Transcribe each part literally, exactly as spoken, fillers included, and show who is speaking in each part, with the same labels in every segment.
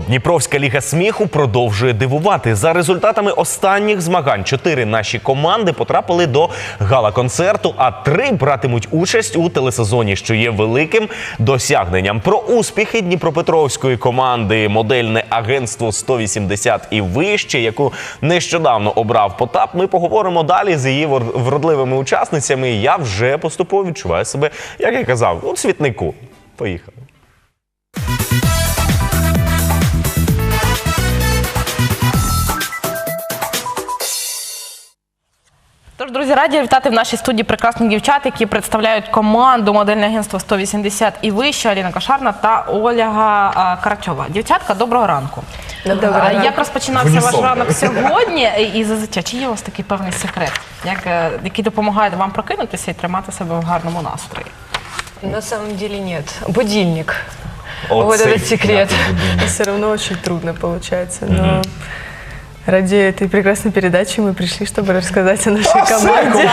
Speaker 1: Дніпровська ліга сміху продовжує дивувати. За результатами останніх змагань чотири наші команди потрапили до гала-концерту, а три братимуть участь у телесезоні, що є великим досягненням. Про успіхи дніпропетровської команди «Модельне агентство сто вісімдесят і вище», яку нещодавно обрав Потап, ми поговоримо далі з її вродливими учасницями. Я вже поступово відчуваю себе, як я казав, у цвітнику. Поїхали.
Speaker 2: Тож, друзі, раді вітати в нашій студії прекрасних дівчат, які представляють команду «Модельне агентство сто вісімдесят і вище», Аліна Кошарна та Ольга Карачова. Дівчатка, доброго ранку.
Speaker 3: Доброго ранку.
Speaker 2: Як розпочинався ваш ранок сьогодні? І зазвичай, чи є у вас такий певний секрет, як, який допомагає вам прокинутися і тримати себе в гарному настрої?
Speaker 3: На самом деле нет. Будильник.
Speaker 1: О,
Speaker 3: вот этот секрет.
Speaker 4: Все равно очень трудно получается, но ради этой прекрасной передачи мы пришли, чтобы рассказать о нашей команде.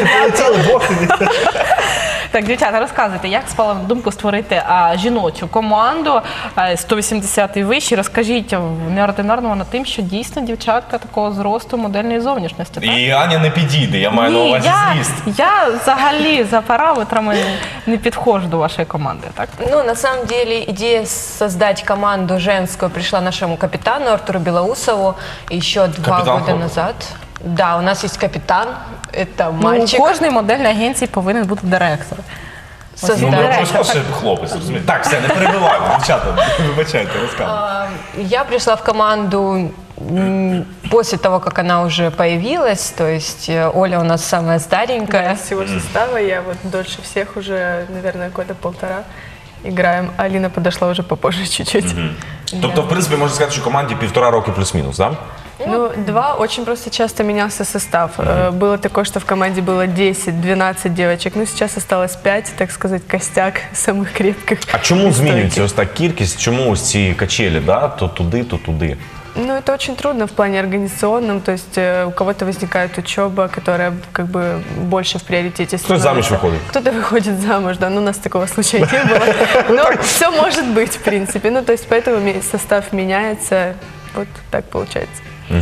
Speaker 2: Так, дівчата, розказуйте, як спала на думку створити а, жіночу команду а, сто вісімдесят і вище. Розкажіть, неординарно вона тим, що дійсно дівчатка такого зросту, модельної зовнішності, так?
Speaker 1: І Аня не підійде, я маю на
Speaker 2: Ні,
Speaker 1: увазі
Speaker 2: я,
Speaker 1: зріст.
Speaker 2: я взагалі за параметрами не підходжу до вашої команди, так?
Speaker 3: Ну, на самом деле, идея создать команду женскую пришла нашему капитану Артуру Белоусову еще два
Speaker 1: Капитан
Speaker 3: года
Speaker 1: Хлопов.
Speaker 3: назад. Да, у нас есть капитан, это
Speaker 2: Ну, у
Speaker 3: мальчик.
Speaker 2: кожній модельній агенції повинен бути директор.
Speaker 1: Ну,
Speaker 3: Создать.
Speaker 1: ми обов'язково ще хлопець, розумієте? Так, все, не перебиваємо, дівчата, вибачайте, розказуйте.
Speaker 3: А, Я пришла в команду м, после того, как она уже появилась, то есть э, Оля у нас самая старенькая.
Speaker 4: Из всего состава я вот дольше всех уже, наверное, года полтора играем. Алина подошла уже попозже чуть-чуть.
Speaker 1: Тобто, в принципі, можна сказати, що команді півтора роки плюс-мінус, так?
Speaker 4: Ну, два, очень просто часто менялся состав. Э, Было такое, что в команде было десять-двенадцать девочек, ну сейчас осталось пять, так сказать, костяк самых крепких.
Speaker 1: А чому
Speaker 4: и
Speaker 1: змінюється
Speaker 4: стойких.
Speaker 1: ось так кількість, чому ось ці качелі, да? То туди, то туди?
Speaker 4: Ну, это очень трудно в плане организационном, то есть э, у кого-то возникает учеба, которая как бы больше в приоритете
Speaker 1: Кто
Speaker 4: становится.
Speaker 1: замуж выходит?
Speaker 4: Кто-то выходит замуж, да, но у нас такого случая не было. Но все может быть, в принципе. Ну, то есть поэтому ме- состав меняется, вот так получается.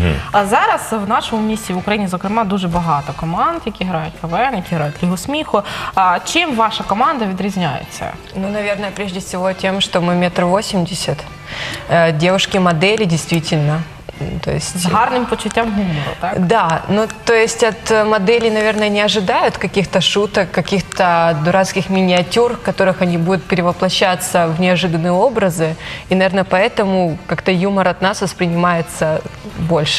Speaker 2: А зараз в нашому місті, в Україні, зокрема, дуже багато команд, які грають КВН, які грають Лігу сміху. А чим ваша команда відрізняється?
Speaker 3: Ну, наверное, прежде всего тем, что мы метр восемьдесят. Э, Девушки-модели, действительно. М, То есть...
Speaker 2: З гарним почуттям гумору, так?
Speaker 3: Да, ну то есть от э, моделей, наверное, не ожидают каких-то шуток, каких-то дурацких миниатюр, в которых они будут перевоплощаться в неожиданные образы. И, наверное, поэтому как-то юмор от нас воспринимается больше.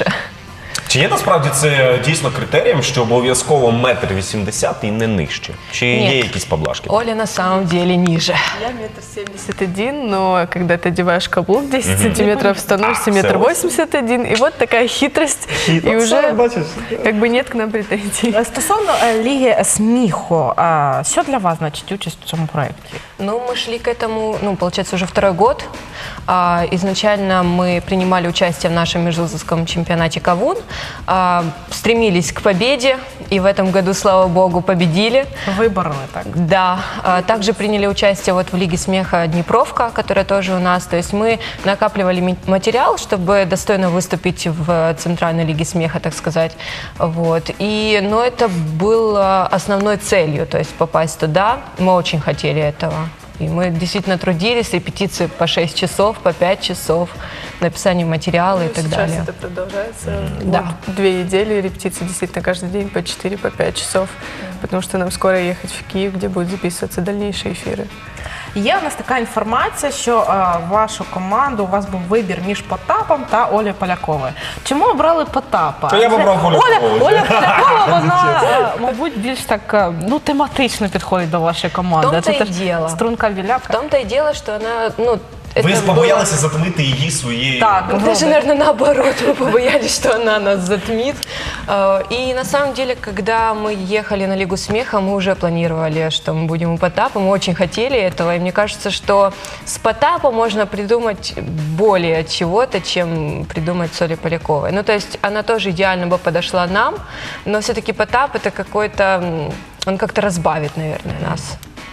Speaker 1: Чи є насправді це дійсно критерієм, що обов'язково метр вісімдесят і не нижче? Чи
Speaker 3: Ні.
Speaker 1: є якісь поблажки?
Speaker 3: Оля на самом деле ниже.
Speaker 4: Я метр семьдесят один, но когда ты одеваешь каблук десять сантиметров, становишься метр восемьдесят один, и вот такая хитрость, и уже как бы нет к нам претензий.
Speaker 2: Стосовно е, Ліги сміху, а що для вас значить участь в цьому проєкті?
Speaker 3: Ну, мы шли к этому, ну, получается, уже второй год. А, изначально мы принимали участие в нашем межвузовском чемпионате «Кавун», а, стремились к победе, и в этом году, слава богу, победили.
Speaker 2: Вибороли, так?
Speaker 3: Да, а, также приняли участие вот в Лиге смеха «Днепровка», которая тоже у нас. То есть мы накапливали ми- материал, чтобы достойно выступить в Центральной Лиге смеха, так сказать. Вот. И, но это было основной целью, то есть попасть туда. Мы очень хотели этого. И мы действительно трудились, репетиции по шесть часов, по пять часов, написание материала и
Speaker 4: Ну,
Speaker 3: так
Speaker 4: сейчас
Speaker 3: далее.
Speaker 4: это продолжается.
Speaker 3: Да.
Speaker 4: Вот две недели репетиции действительно каждый день по четыре, по пять часов, потому что нам скоро ехать в Киев, где будут записываться дальнейшие эфиры.
Speaker 2: Є у нас така інформація, що е, вашу команду, у вас був вибір між Потапом та Олею Поляковою. Чому обрали Потапа?
Speaker 1: Та я б
Speaker 2: Це-
Speaker 1: обрав Олю
Speaker 2: Оля,
Speaker 1: Полякову.
Speaker 2: Оля Полякова, вона, е, мабуть, більш так, е, ну, тематично підходить до вашої команди.
Speaker 3: В тому-то
Speaker 2: Це
Speaker 3: й
Speaker 2: теж
Speaker 3: діло.
Speaker 2: струнка
Speaker 3: В
Speaker 2: біляка.
Speaker 3: том-то и дело, что она, ну,
Speaker 1: Ви
Speaker 3: это было-
Speaker 1: побоялися затмити її своєю...
Speaker 2: Так,
Speaker 3: Даже,
Speaker 2: Роберт.
Speaker 3: наверное, наоборот, мы побоялись, что она нас затмит. Э, И на самом деле, когда мы ехали на Лигу смеха, мы уже планировали, что мы будем у Потапа, мы очень хотели этого, и мне кажется, что с Потапа можно придумать более чего-то, чем придумать с Олей Поляковой. Ну, то есть она тоже идеально бы подошла нам, но все-таки Потап это какой-то, м, он как-то разбавит, наверное, нас.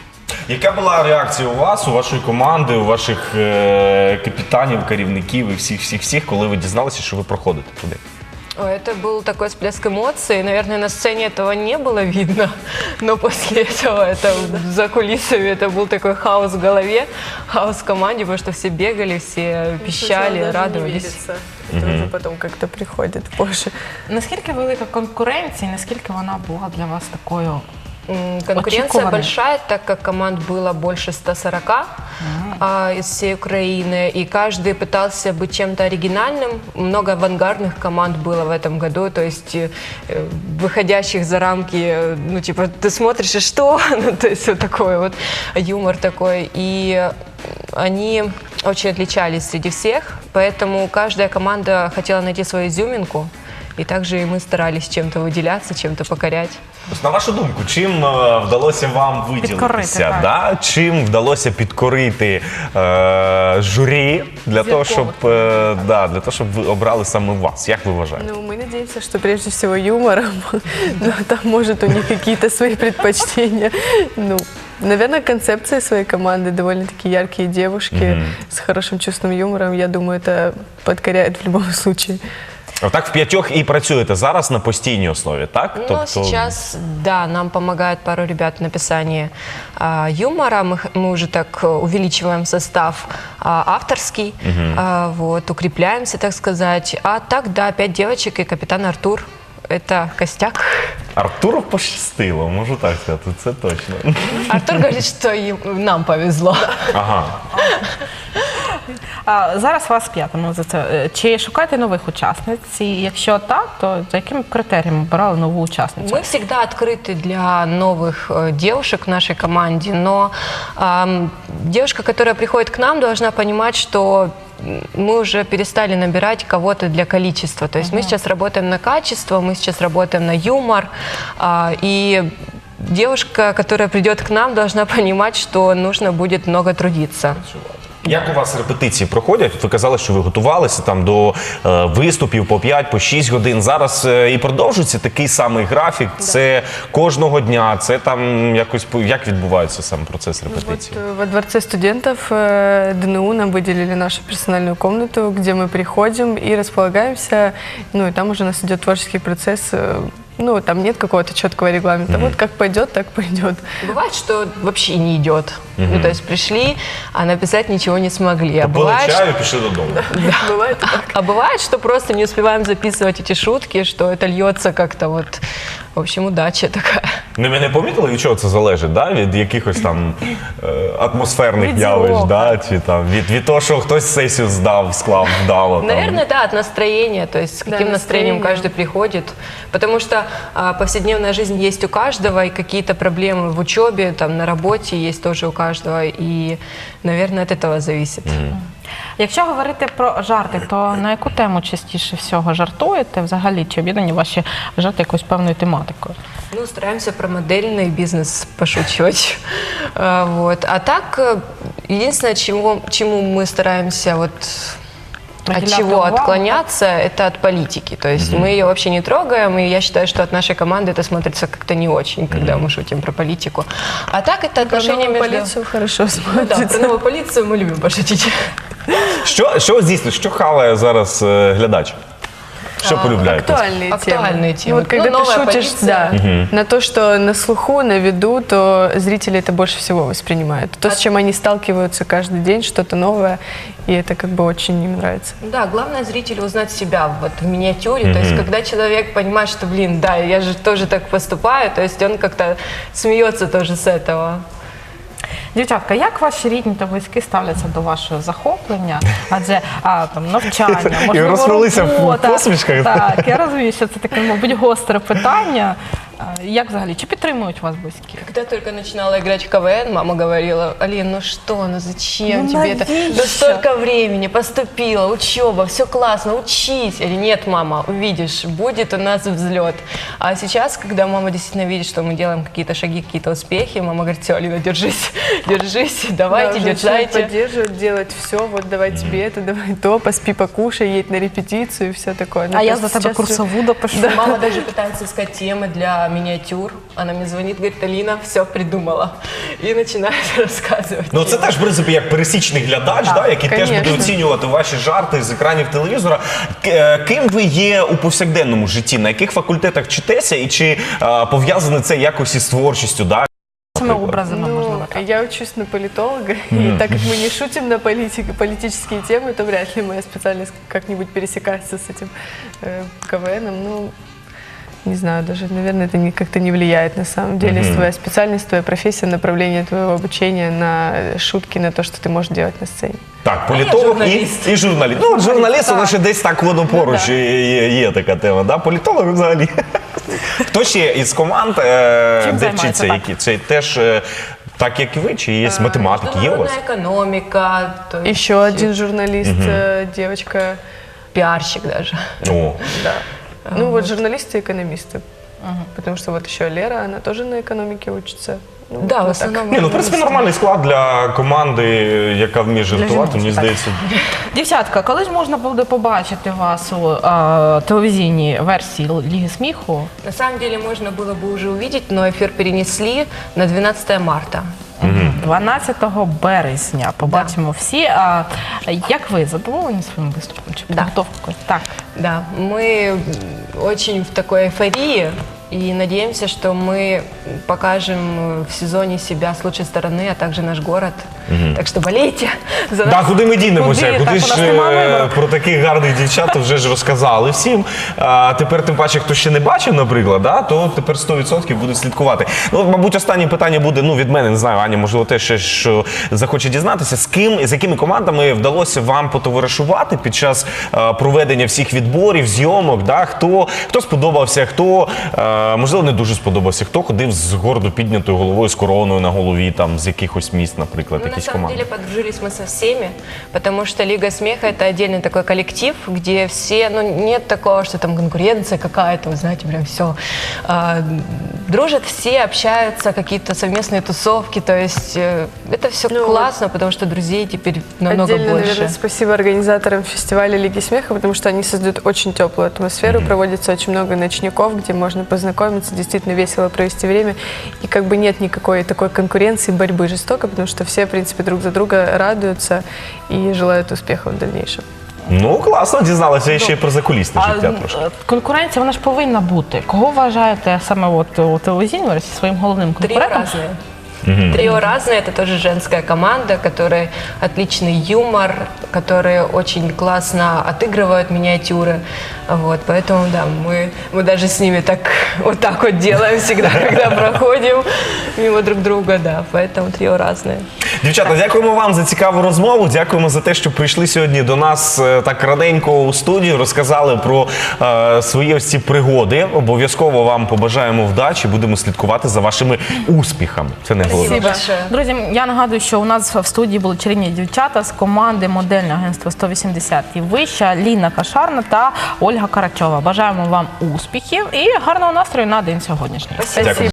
Speaker 1: Яка була реакція у вас, у вашої команди, у ваших е, капітанів, керівників і всіх, всіх, всіх, коли ви дізналися, що ви проходите туди?
Speaker 3: Ой, это был такой всплеск эмоций. Наверное, на сцене этого не было видно, но после этого это за кулисами это был такой хаос в голове, хаос в команде, потому что все бегали, все пищали, радовались.
Speaker 4: Это уже потом как-то приходит позже.
Speaker 2: Наскільки велика конкуренція, наскільки вона була для вас такою?
Speaker 3: М, Конкуренция
Speaker 2: Очікованно.
Speaker 3: большая, так как команд было больше ста сорока а, из всей Украины, и каждый пытался быть чем-то оригинальным. Много авангардных команд было в этом году, то есть э, выходящих за рамки, э, ну типа ты смотришь и что, ну, то есть вот такой вот юмор такой, и они очень отличались среди всех, поэтому каждая команда хотела найти свою изюминку, и также и мы старались чем-то выделяться, чем-то покорять.
Speaker 1: Ось, на вашу думку, чим е, вдалося вам
Speaker 2: Підкорити,
Speaker 1: виділитися?
Speaker 2: так.
Speaker 1: Да? Чим вдалося підкорити е, журі для того, щоб, е, да, для того, щоб ви обрали саме вас? Як ви вважаєте?
Speaker 4: Ну, мы надеемся, что прежде всего юмором, но там, может, у них какие-то свои предпочтения. Ну, наверное, концепция своей команды, довольно-таки яркие девушки с хорошим чувством юмора, я думаю, это подкоряет в любом случае.
Speaker 1: Отак в п'ятьох і працюєте зараз на постійній основі, так?
Speaker 3: Ну, сейчас, да, нам помогает пару ребят в написании а, юмора. Мы, х- мы уже так э, увеличиваем состав а, авторский, а, вот, укрепляемся, так сказать. А так, да, пять девочек и капитан Артур. Это костяк.
Speaker 1: Артуру пощастило, можу так сказати, це точно.
Speaker 3: Артур говорит, что им- нам повезло.
Speaker 1: Ага.
Speaker 2: А, зараз вас п'ятому за це. Е, Чи шукаєте нових учасниць? І якщо так, то за якими критеріями обирали нову учасницю?
Speaker 3: Мы всегда открыты для новых э, девушек в нашей команде, но ам, девушка, которая приходит к нам, должна понимать, что м, мы уже перестали набирать кого-то для количества. То есть мы сейчас работаем на качество, мы сейчас работаем на юмор, а, и девушка, которая придет к нам, должна понимать, что нужно будет много трудиться.
Speaker 1: Як у вас репетиції проходять? Ви казали, що ви готувалися там до е, виступів по п'ять, по шість годин. Зараз е, і продовжується такий самий графік. Це кожного дня, це там якось по- як відбувається сам процес
Speaker 4: Вот
Speaker 1: репетиції?
Speaker 4: э, во Дворце студентов э, ДНУ нам выделили нашу персональную комнату, где мы приходим и располагаемся. Ну и там уже у нас идет творческий процесс. э, Ну, там нет какого-то четкого регламента. Вот как пойдет, так пойдет.
Speaker 3: Бывает, что вообще не идет. Ну, то есть пришли, а написать ничего не смогли. А
Speaker 1: Попили
Speaker 3: бывает,
Speaker 1: чаю, пішли додому.
Speaker 4: Бывает и так.
Speaker 3: А бывает, что просто не успеваем записывать эти шутки, что это льется как-то вот. В общем, удача такая.
Speaker 1: Ну, ви не помітили, від чого це залежить? Да? Від якихось там е, атмосферних
Speaker 2: Від
Speaker 1: явищ,
Speaker 2: зірок.
Speaker 1: да? Чи там від, від того, що хтось сесію здав, склав вдало. Там.
Speaker 3: Наверное, да, от настроения, то есть с
Speaker 4: Да,
Speaker 3: каким настроением
Speaker 4: настроение.
Speaker 3: каждый приходит. Потому что а, повседневная жизнь есть у каждого, и какие-то проблемы в учебе, там, на работе есть тоже у каждого. И, наверное, от этого зависит.
Speaker 2: Якщо говорити про жарти, то на яку тему частіше всього жартуєте? Взагалі, чи об'єднані ваші жарти якоюсь певною тематикою?
Speaker 3: Ну, стараемся про модельный бизнес пошучивать. А, вот. А так, э, единственное, чему, чему мы стараемся вот от
Speaker 2: Уделять
Speaker 3: чего
Speaker 2: увагу,
Speaker 3: отклоняться, это от политики. То есть мы ее вообще не трогаем, и я считаю, что от нашей команды это смотрится как-то не очень, когда мы шутим про политику. А так это отношения
Speaker 4: Новую
Speaker 3: между...
Speaker 4: полицию хорошо
Speaker 3: Ну да,
Speaker 4: смотрится.
Speaker 3: про новую полицию мы любим пошутить.
Speaker 1: Що, що здійснює, що хаває зараз е, глядач? Що полюбляєте?
Speaker 4: Актуальные темы.
Speaker 3: Актуальные темы.
Speaker 4: Ну, вот когда
Speaker 3: Ну,
Speaker 4: ты
Speaker 3: новая
Speaker 4: шутишь,
Speaker 3: полиция.
Speaker 4: да, на то, что на слуху, на виду, то зрители это больше всего воспринимают. То, с чем они сталкиваются каждый день, что-то новое, и это как бы очень им нравится.
Speaker 3: Да, главное зрителю узнать себя вот в миниатюре. То есть, когда человек понимает, что, блин, да, я же тоже так поступаю, то есть он как-то смеется тоже с этого.
Speaker 2: Дівчатка, як ваші рідні та близькі ставляться до вашого захоплення? Адже а, там, навчання, можливо,
Speaker 1: розплилися в
Speaker 2: робота.
Speaker 1: посмішках.
Speaker 2: Так, я розумію, що це таке, мабуть, гостре питання. А, Як взагалі? Чи підтримують вас близькі?
Speaker 3: Когда только начинала играть в КВН, мама говорила: Алин, ну что, ну зачем
Speaker 2: Ну,
Speaker 3: тебе это?
Speaker 2: навіщо?
Speaker 3: Да столько времени, поступила, учеба, все классно, учись. Или нет, мама, увидишь, будет у нас взлет. А сейчас, когда мама действительно видит, что мы делаем какие-то шаги, какие-то успехи, мама говорит: все, Алина, держись, держись, давайте,
Speaker 4: Да, женщины
Speaker 3: дерзайте.
Speaker 4: поддерживают, делать все, вот давай тебе это, давай то, поспи, покушай, едь на репетицию и все такое. Ну,
Speaker 2: А я
Speaker 4: просто
Speaker 2: за тебе
Speaker 4: сейчас
Speaker 2: курсову допишу.
Speaker 3: Мама даже пытается искать темы для для миниатюр. Она мне звонит, говорит: Алина, все придумала. И начинает рассказывать.
Speaker 1: Ну, це теж, в принципі, як пересічний глядач, да, який теж буде
Speaker 4: конечно.
Speaker 1: оцінювати ваші жарти з екранів телевізора. К- е, Ким ви є у повсякденному житті? На яких факультетах вчитеся? І чи е, пов'язане це якось із творчістю? Да?
Speaker 2: Цими образами,
Speaker 4: Ну,
Speaker 2: можливо, так.
Speaker 4: я учусь на политолога, и так как мы не шутим на политике, политические темы, то вряд ли моя специальность как-нибудь пересекается с этим э, КВНом. Ну, не знаю, даже, наверное, это не, как-то не влияет на самом деле. Твоя специальность, твоя профессия, направление твоего обучения на шутки, на то, что ты можешь делать на сцене.
Speaker 1: Так, політолог і,
Speaker 3: журналіст.
Speaker 1: і журналіст. Ну, от журналіст,
Speaker 2: так.
Speaker 1: вона ще десь так воно поруч
Speaker 2: Ну, да.
Speaker 1: є, є, є така тема. Да? Політолог взагалі. Хто ще із команд, е,
Speaker 2: Чим
Speaker 1: де
Speaker 2: займається,
Speaker 1: вчиться?
Speaker 2: так?
Speaker 1: Які? Це теж е, так, як і ви, чи є математики? Є у вас?
Speaker 3: Международная экономика, то есть
Speaker 4: Еще один журналист, э, девочка.
Speaker 3: пиарщик даже.
Speaker 1: О.
Speaker 4: Ну, вот журналисты и экономисты. Потому что вот еще Лера, она тоже на экономике учится. Ну,
Speaker 3: Да, в
Speaker 4: вот так.
Speaker 3: основном.
Speaker 1: Ні, ну, в принципі, нормальний склад для команди, яка вміє жартувати, мені
Speaker 2: жіночок,
Speaker 1: здається.
Speaker 2: Дівчатка, коли ж можна буде побачити вас у е, телевізійній версії Ліги сміху?
Speaker 3: На самом деле можно было бы уже увидеть, но эфир перенесли на двенадцатое марта.
Speaker 2: дванадцятого березня побачимо всі. А як ви задоволені своїм виступом? Чи
Speaker 3: Да.
Speaker 2: підготовкою? Так.
Speaker 3: Да, мы очень в такой эйфории и надеемся, что мы покажем в сезоне себя с лучшей стороны, а также наш город. Так что болейте за нас.
Speaker 1: Так, куди ми дінемося?
Speaker 2: Куди?
Speaker 1: Куди
Speaker 2: Так,
Speaker 1: ж
Speaker 2: у нас немає
Speaker 1: е,
Speaker 2: вибору.
Speaker 1: про таких гарних дівчат вже ж розказали всім. А тепер, тим паче, хто ще не бачив, наприклад, да, то тепер сто відсотків буде слідкувати. Ну, мабуть, останнє питання буде, ну, від мене, не знаю, Аня, можливо, теж ще що захоче дізнатися, з ким, з якими командами вдалося вам потоваришувати під час е, проведення всіх відборів, зйомок, да? Хто, хто сподобався, хто, е, можливо, не дуже сподобався, хто ходив з гордо піднятою головою, з короною на голові, там, з якихось міст, наприклад,
Speaker 3: Ну, на
Speaker 1: якісь
Speaker 3: самом
Speaker 1: команди.
Speaker 3: деле подружились мы со всеми, потому что Лига смеха — это отдельный такой коллектив, где все, ну, нет такого, что там конкуренция какая-то, вы знаете, прям все. А, дружат все, общаются, какие-то совместные тусовки, то есть э, это все
Speaker 4: Ну,
Speaker 3: классно, потому что друзей теперь намного
Speaker 4: Отдельно,
Speaker 3: больше.
Speaker 4: наверное, спасибо организаторам фестиваля Лиги смеха, потому что они создают очень теплую атмосферу, проводится очень много ночников, где можно познакомиться, действительно весело провести время, и как бы нет никакой такой конкуренции, борьбы жестокой, потому что все, в принципе, друг за друга радуются и желают успехов в дальнейшем.
Speaker 1: Ну, класно, дізналася ще й про закулісне
Speaker 2: А
Speaker 1: життя трошки.
Speaker 2: е, конкуренція, вона ж повинна бути. Кого вважаєте саме от у телевізійній версії своїм головним
Speaker 3: Трио
Speaker 2: конкурентом?
Speaker 3: разные. Трио разные, это тоже женская команда, которая отличный юмор, которые очень классно отыгрывают миниатюры. Вот, поэтому, да, мы, мы даже с ними так вот так вот делаем всегда, когда проходим мимо друг друга, да, поэтому трио разные.
Speaker 1: Дівчата, дякуємо вам за цікаву розмову. Дякуємо за те, що прийшли сьогодні до нас е, так раненько у студію, розказали про е, свої ось ці пригоди. Обов'язково вам побажаємо вдачі, будемо слідкувати за вашими успіхами. Це не головне.
Speaker 3: Спасибо большое.
Speaker 2: Друзі, я нагадую, що у нас в студії були чарівні дівчата з команди модельного агентства сто вісімдесят і вища, Ліна Кашарна та Ольга Карачова. Бажаємо вам успіхів і гарного настрою на день сьогоднішній.
Speaker 3: Спасибо.
Speaker 1: Дякую.